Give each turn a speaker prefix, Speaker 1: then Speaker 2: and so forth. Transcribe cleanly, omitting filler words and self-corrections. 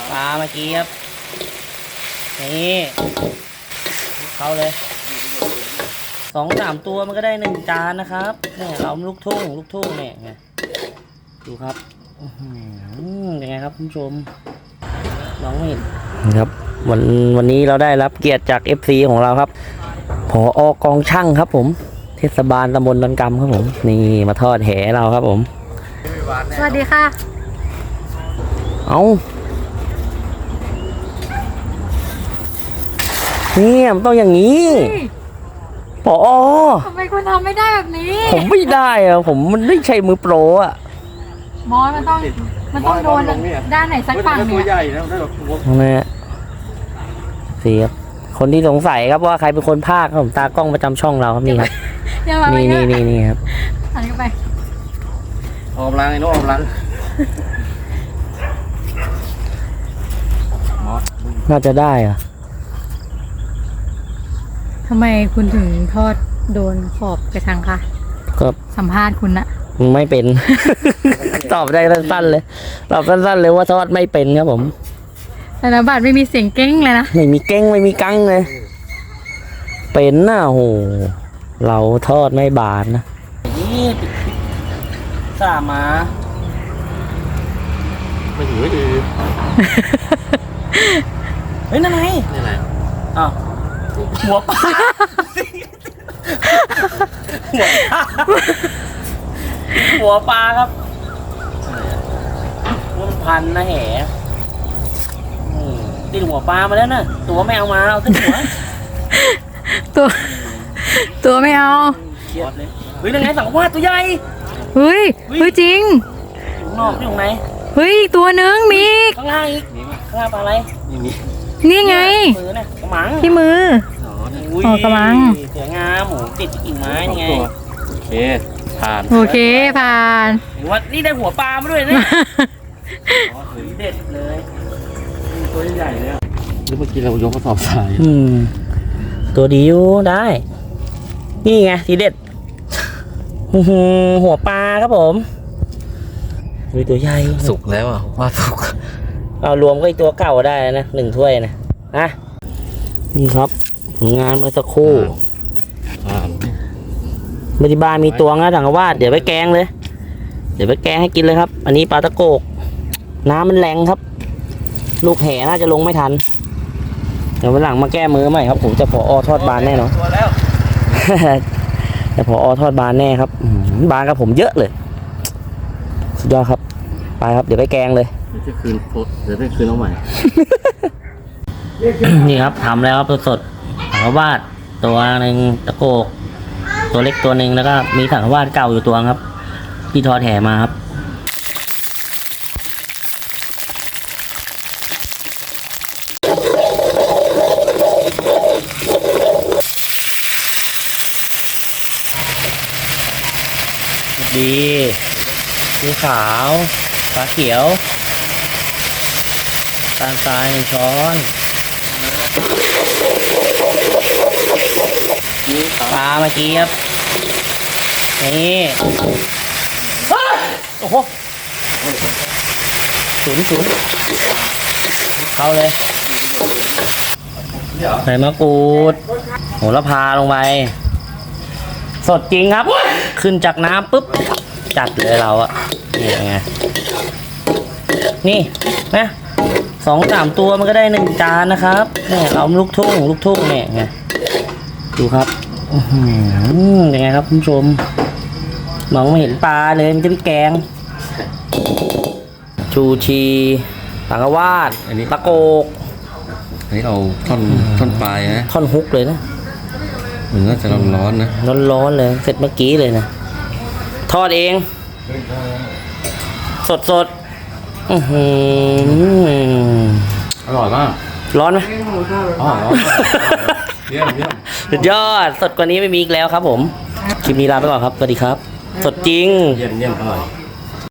Speaker 1: ปลาเมื่อกี้ครับนี่เข้าเลย2-3ตัวมันก็ได้1 จานนะครับเนี่ยเราลูกทุ่งเนี่ยไงดูครับยังไงครับคุณผู้ชมน้องไม่เห็นครับวันนี้เราได้รับเกียรติจาก FC ของเราครับผอกองช่างครับผมเทศบาลตำบลดอนกำครับผมนี่มาทอดแหเราครับผม
Speaker 2: สวัสดีค่ะ
Speaker 1: เอาเนี่ยมันต้องอย่างนี้ผอ
Speaker 2: ทำไมคุณทำไม่ได้แบบนี้
Speaker 1: ผมไม่ได้อะผมมันไม่ใช่มือโปรอะ
Speaker 2: มอสมันต้องโดนด้านไหนสักฝั่งเนี่ยตัวใหญ่นะ
Speaker 1: นี่สิครับคนที่สงสัยครับว่าใครเป็นคนพากย์ครับผมตากล้องประจำช่องเราครับนี่ครับนี่ครับ
Speaker 2: หันเข้าไป
Speaker 3: ออมล้างไอ้น้องออมล้าง
Speaker 1: น่าจะได้อะ
Speaker 2: ทำไมคุณถึงทอดโดนขอบกระชังคะ
Speaker 1: ก็
Speaker 2: สัมภาษณ์คุณนะ
Speaker 1: ไม่เป็น ตอบได้สั้นๆเลยตอบสั้นๆเลยว่าทอดไม่เป็นครับผม
Speaker 2: แต่ละบาทไม่มีเสียงเก้งเลยนะ
Speaker 1: ไม่มีเก้งไม่มีกังเลยเป็นน่ะโหเราทอดไม่บานนะนี่สามา
Speaker 3: ไม่ถือไม่ถือ
Speaker 1: เฮ้ยนั่นไง
Speaker 3: นี่อะไร
Speaker 1: อ้าวหัวปลาหัวปลาครับมันพันนะแหติดหัวปลามาแล้วนะตัวไม่เอามาเอาแต่หัว
Speaker 2: ตัวไม่เอา
Speaker 1: เครียดเลยเฮ้ยนั่นไงสังวาสตัวใหญ่
Speaker 2: เฮ้ยจริง
Speaker 1: อยู่นอกอยู่ไหน
Speaker 2: เฮ้ยตัวนึงมี
Speaker 1: ข้างล่างอีกข้างล่างปลาอะไร
Speaker 2: นี่ไง
Speaker 1: มือนะกระมัง
Speaker 2: ที่มืออ๋อกระมัง
Speaker 1: สวยงามหมูติดกิ่งไม้นี่ไง
Speaker 3: โอเคผ่าน
Speaker 1: ว่านี่ได้หัวปลามาด้วยเนี่ยเด็ดเลย
Speaker 3: ตัวใหญ่เลยหรือเมื่อกี้เรายกกระสอบทราย
Speaker 1: ตัวดีอยู่ได้นี่ไงทีเด็ดหัวปลาครับผมมีตัวใหญ่
Speaker 3: สุกแล้วอ่ะว่าสุก
Speaker 1: เอารวมก็อีกตัวเก่าได้นะ1 ถ้วยนะนี่ครับผลงานเมื่อสักครู่มาที่บ้านมีตัวนะถังกวาดเดี๋ยวไปแกงเลยเดี๋ยวไปแกงให้กินเลยครับอันนี้ปลาตะโกกน้ำมันแรงครับลูกแห่น่าจะลงไม่ทันเดี๋ยววันหลังมาแก้มือใหม่ครับผมจะผอทอดบานแน่นอนแต่ผอทอดบานแน่ครับบานกับผมเยอะเลยสุดยอดครับไปครับเดี๋ยวไปแกงเลย
Speaker 3: จะคืนเดี๋ยวได้คืนเอาใหม่
Speaker 1: นี่ครับทำแล้วครับสดถังกวาดตัวหนึ่งตะโกกตัวเล็กตัวหนึ่งแล้วก็มีถังกวาดเก่าอยู่ตัวครับที่ทอดแห่มาครับดีสีขาวฟ้าเขียวตาลทราย1 ช้อนปลาเมื่อกี้ครับนี่โอ้โหศูนย์เข้าเลยใส่มะกรูดโหระพาลงไปสดจริงครับขึ้นจากน้ำปุ๊บจัดเลยเราอะนี่ไงนี่นะ2-3 ตัวมันก็ได้1 จานนะครับเนี่ยเราลูกทุ่งเนี่ยไงดูครับยังไงครับคุณผู้ชมมองไม่เห็นปลาเลยมันจะไปแกงชูชีสังกวาดตะโกก
Speaker 3: อันนี้เอาท่อนปลายนะ
Speaker 1: ท่อนฮุกเลยนะ
Speaker 3: มันน่าจะร้อนนะ
Speaker 1: ร้อนเลยเสร็จเมื่อกี้เลยนะทอดเองสด
Speaker 3: อร่อยมาก
Speaker 1: ร้อนไหม
Speaker 3: อ๋อเยี่ยม
Speaker 1: สุดยอดสดกว่านี้ไม่มีอีกแล้วครับผมคลิปนี้ลาไปก่อนครับสวัสดีครับสดจริง
Speaker 3: เยี่ยมอร่อย